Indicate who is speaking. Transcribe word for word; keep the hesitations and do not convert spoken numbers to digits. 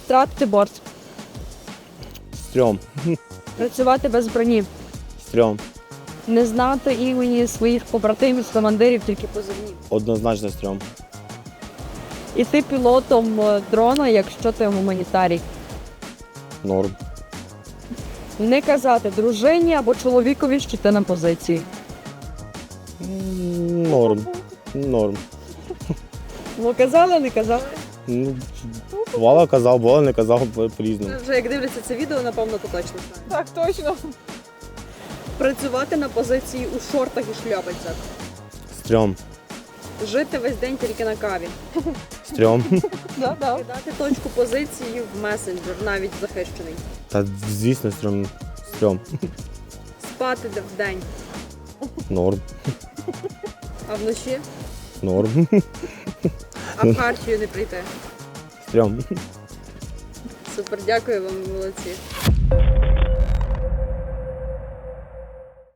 Speaker 1: втратити борт.
Speaker 2: Стрьом.
Speaker 1: Працювати без броні.
Speaker 2: Стрьом.
Speaker 1: Не знати імені своїх побратимів, командирів, тільки позивні.
Speaker 2: Однозначно стрьом.
Speaker 1: І ти пілотом е, дрона, якщо ти гуманітарій.
Speaker 2: Норм.
Speaker 1: Не казати дружині або чоловікові, що ти на позиції.
Speaker 2: М, Норм. Норм.
Speaker 1: Ну казали, не казали.
Speaker 2: Ну, бувало казав, бувало не казав, по-різному.
Speaker 1: Вже як дивляться це відео, напевно, то точно знають.
Speaker 3: Так, точно.
Speaker 1: Працювати на позиції у шортах і шляпицях.
Speaker 2: Стрьом.
Speaker 1: Жити весь день тільки на каві.
Speaker 2: Стрьом.
Speaker 3: Да, да.
Speaker 1: Кидати точку позиції в месенджер, навіть захищений.
Speaker 2: Та звісно, стрьом. Стрьом.
Speaker 1: Спати де вдень,
Speaker 2: Норм.
Speaker 1: а вночі,
Speaker 2: Норм.
Speaker 1: а в хартію не прийти.
Speaker 2: Стрьом.
Speaker 1: Супер, дякую вам, молодці.